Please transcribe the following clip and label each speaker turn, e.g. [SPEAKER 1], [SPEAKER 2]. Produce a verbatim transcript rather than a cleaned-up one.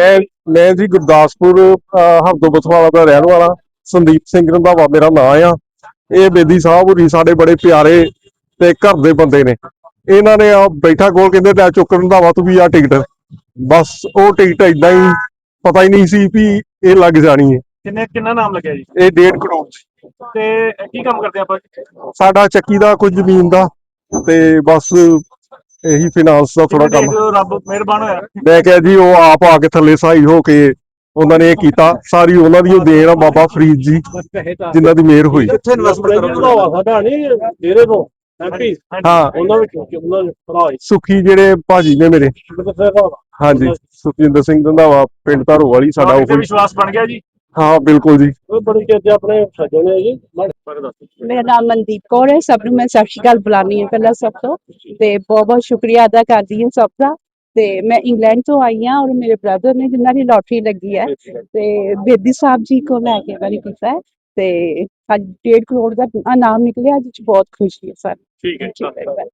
[SPEAKER 1] ਮੈਂ ਮੈਂ ਜੀ ਗੁਰਦਾਸਪੁਰ ਹਰਦੋ ਬਥਵਾਲਾ ਦਾ ਰਹਿਣ ਵਾਲਾ ਸੰਦੀਪ ਸਿੰਘ ਰੰਧਾਵਾ ਮੇਰਾ ਨਾਂ ਆ। ਇਹ ਬੇਦੀ ਸਾਹਿਬ ਹੋਰੀ ਸਾਡੇ ਬੜੇ ਪਿਆਰੇ ਤੇ ਘਰ ਦੇ ਬੰਦੇ ਨੇ। ਇਹਨਾਂ ਨੇ ਆ ਬੈਠਾ ਕੋਲ ਕਹਿੰਦੇ ਲੈ ਚੁੱਕ ਰੰਧਾਵਾ ਤੂੰ ਵੀ ਆ ਟਿਕਟ। ਬਸ ਉਹ ਟਿਕਟ ਏਦਾਂ ਹੀ ਪਤਾ ਹੀ ਨਹੀਂ ਸੀ ਵੀ ਇਹ ਲੱਗ ਜਾਣੀ ਹੈ।
[SPEAKER 2] ਕਿੰਨੇ ਕਿੰਨਾ ਨਾਮ ਲੱਗਿਆ ਜੀ?
[SPEAKER 1] ਇਹ ਡੇਢ ਕਰੋੜ
[SPEAKER 2] ਤੇ ਕੀ ਕੰਮ ਕਰਦੇ ਆਪਾਂ?
[SPEAKER 1] ਸਾਡਾ ਚੱਕੀ ਦਾ ਕੁਝ ਜ਼ਮੀਨ ਦਾ ਤੇ ਬਸ ਇਹੀ ਫਾਈਨਾਂਸ ਦਾ ਥੋੜਾ ਕੰਮ।
[SPEAKER 2] ਰੱਬ ਮਿਹਰਬਾਨ ਹੋਇਆ।
[SPEAKER 1] ਮੈਂ ਕਿਹਾ ਜੀ ਉਹ ਆਪ ਆ ਕੇ ਥੱਲੇ ਸਹਾਈ ਹੋ ਕੇ ਉਹਨਾਂ ਨੇ ਇਹ ਕੀਤਾ। ਸਾਰੀ ਉਹਨਾਂ ਦੀ ਉਹ ਦੇਣ ਆ ਬਾਬਾ ਫਰੀਦ ਜੀ ਜਿਨ੍ਹਾਂ ਦੀ ਮਿਹਰ ਹੋਈ।
[SPEAKER 2] ਕਿੱਥੇ ਇਨਵੈਸਟਮੈਂਟ ਕਰੋਗੇ?
[SPEAKER 3] ਸਾਡਾ ਨਹੀਂ ਡੇਰੇ ਤੋਂ ਐਮਪੀ
[SPEAKER 1] ਹਾਂ
[SPEAKER 3] ਉਹਨਾਂ ਵਿੱਚ ਉਹਨਾਂ ਦੇ ਭਰਾ
[SPEAKER 1] ਸੁਖੀ ਜਿਹੜੇ ਭਾਜੀ ਨੇ ਮੇਰੇ।
[SPEAKER 3] ਜੀ
[SPEAKER 1] ਹਾਂਜੀ ਸੁਖਜਿੰਦਰ ਸਿੰਘ ਰੰਧਾਵਾ ਪਿੰਡ ਧਾਰੋ ਵਾਲੀ ਸਾਡਾ ਉਹ।
[SPEAKER 2] ਵਿਸ਼ਵਾਸ ਬਣ ਗਿਆ ਜੀ?
[SPEAKER 1] ਹਾਂ ਬਿਲਕੁਲ ਜੀ।
[SPEAKER 3] ਉਹ ਬੜੀ ਚੀਜ਼ਾਂ ਆਪਣੇ ਸੱਜਣੇ ਆ ਜੀ।
[SPEAKER 4] ਮੇਰਾ ਨਾਮ ਮਨਦੀਪ ਕੌਰ ਹੈ। ਸਭ ਨੂੰ ਮੈਂ ਸਤਿ ਸ਼੍ਰੀ ਅਕਾਲ ਬੁਲਾਉਂਦੀ ਹਾਂ ਪਹਿਲਾਂ ਸਭ ਤੋਂ, ਤੇ ਬਹੁਤ ਬਹੁਤ ਸ਼ੁਕਰੀਆ ਅਦਾ ਕਰਦੀ ਹਾਂ ਸਭ ਦਾ। ਤੇ ਮੈਂ ਇੰਗਲੈਂਡ ਤੋਂ ਆਈ ਹਾਂ ਔਰ ਮੇਰੇ ਬ੍ਰਦਰ ਨੇ ਜਿਨ੍ਹਾਂ ਦੀ ਲੋਟਰੀ ਲੱਗੀ ਹੈ ਤੇ ਬੇਦੀ ਸਾਹਿਬ ਜੀ ਕੋਲ ਲੈ ਕੇ ਵਾਰੀ ਕੀਤਾ ਹੈ ਤੇ ਅੱਜ ਡੇਢ ਕਰੋੜ ਦਾ ਨਾਮ ਨਿਕਲਿਆ, ਅੱਜ ਬਹੁਤ ਖੁਸ਼ੀ ਹੈ ਸਾਨੂੰ।
[SPEAKER 2] ਠੀਕ ਹੈ।